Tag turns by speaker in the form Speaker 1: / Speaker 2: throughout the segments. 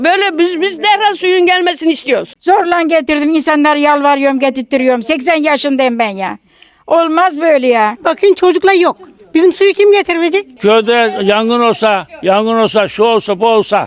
Speaker 1: Böyle biz derhal suyun gelmesini istiyoruz.
Speaker 2: Zorla getirdim. İnsanlar yalvarıyorum, getirtiyorum. 80 yaşındayım ben ya. Olmaz böyle ya.
Speaker 3: Bakın çocuklar yok. Bizim suyu kim getirecek?
Speaker 4: Köyde yangın olsa, şu olsa, bu olsa.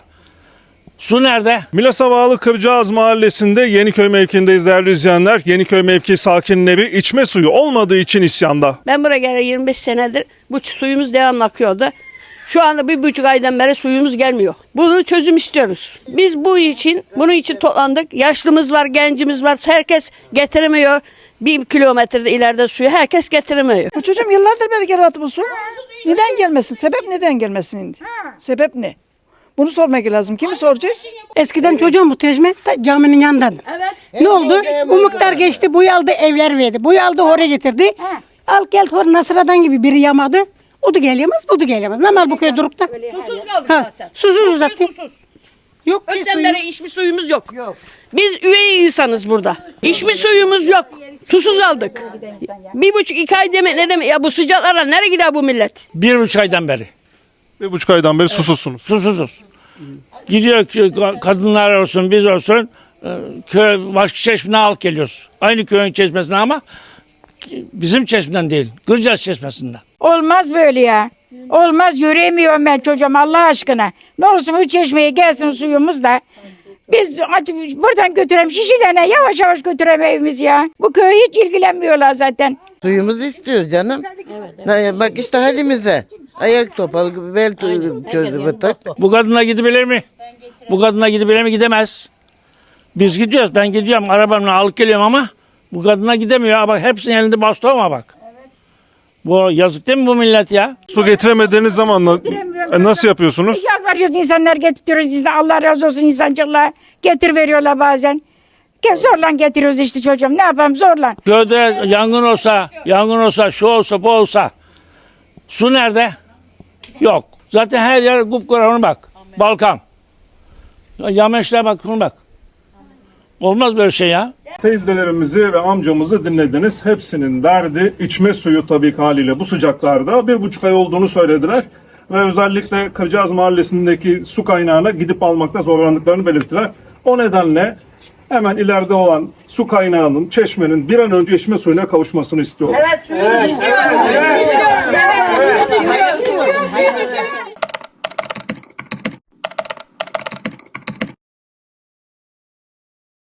Speaker 4: Su nerede?
Speaker 5: Milas'a bağlı Kırcağız Mahallesi'nde Yeniköy mevkiindeyiz değerli izleyenler. Yeniköy mevki sakinleri içme suyu olmadığı için isyanda.
Speaker 1: Ben buraya geleli 25 senedir bu suyumuz devamlı akıyordu. Şu anda 1,5 aydan beri suyumuz gelmiyor. Bunu çözüm istiyoruz. Biz bunun için toplandık. Yaşlımız var, gencimiz var. Herkes getiremiyor. 1 kilometrede ileride suyu herkes getiremiyor.
Speaker 6: Bu çocuğum yıllardır beri geri bu su. Neden gelmesin? Sebep neden gelmesin? Sebep ne? Bunu sormak lazım. Kimi soracağız?
Speaker 3: Eskiden çocuğum bu Tecme caminin yanından. Ne oldu? Bu miktar geçti, boyu aldı, evler verdi. Boyu aldı, oraya getirdi. Al gel hor Nasıra'dan gibi biri yamadı. O da gelmez, bu da gelmez. Ne mal bu köy durup da?
Speaker 1: Susuz kaldık
Speaker 3: Ha,
Speaker 1: zaten.
Speaker 3: susuz zaten.
Speaker 1: Susuz.
Speaker 3: Yok ki
Speaker 1: Öten
Speaker 3: suyu.
Speaker 1: beri içme suyumuz yok. Biz üvey insanız burada. İçme suyumuz yok. Susuz kaldık. 1,5-2 ay demek ne demek? Ya bu sıcaklarla nereye gider bu millet?
Speaker 4: 1,5 aydan beri.
Speaker 5: 1,5 aydan beri susuzsunuz.
Speaker 4: Susuzuz. Gidiyor kadınlar olsun, biz olsun. Köy başka çeşmeden alıp geliyoruz. Aynı köyün çeşmesinden ama bizim çeşmeden değil. Kırcağız çeşmesinden.
Speaker 2: Olmaz böyle ya. Olmaz, yürüyemiyorum ben çocuğum Allah aşkına. Ne olursun bu çeşmeye gelsin suyumuz da. Biz buradan götürelim şişelerine yavaş yavaş götürelim evimiz ya. Bu köye hiç ilgilenmiyorlar zaten.
Speaker 7: Suyumuzu istiyor canım. Bak işte halimize. Ayak topalı, bel çözdü batak.
Speaker 4: Bu kadına gidebilir mi? Bu kadına gidebilir mi? Gidemez. Biz gidiyoruz. Ben gidiyorum. Arabamla alıp geliyorum ama bu kadına gidemiyor. Bak hepsinin elinde baston var bak. Bu yazık değil mi bu millet ya?
Speaker 5: Su getiremediğiniz zaman nasıl yapıyorsunuz?
Speaker 2: Yalvarıyoruz insanlar getiriyoruz. Allah razı olsun insancıklar. Getir veriyorlar bazen. Zorla getiriyoruz işte çocuğum. Ne yapalım zorla.
Speaker 4: Köyde yangın olsa, şu olsa, bu olsa. Su nerede? Yok. Zaten her yer kupkuru ona bak. Balkan. Yameşler bak, ona bak. Olmaz böyle şey ya.
Speaker 5: Teyzelerimizi ve amcamızı dinlediniz. Hepsinin derdi içme suyu tabii ki haliyle bu sıcaklarda 1,5 ay olduğunu söylediler. Ve özellikle Kırcağız Mahallesi'ndeki su kaynağına gidip almakta zorlandıklarını belirttiler. O nedenle hemen ileride olan su kaynağının, çeşmenin bir an önce içme suyuna kavuşmasını istiyorlar.
Speaker 1: Evet, suyumuzu istiyoruz. İstiyoruz. Evet, suyumuzu istiyoruz.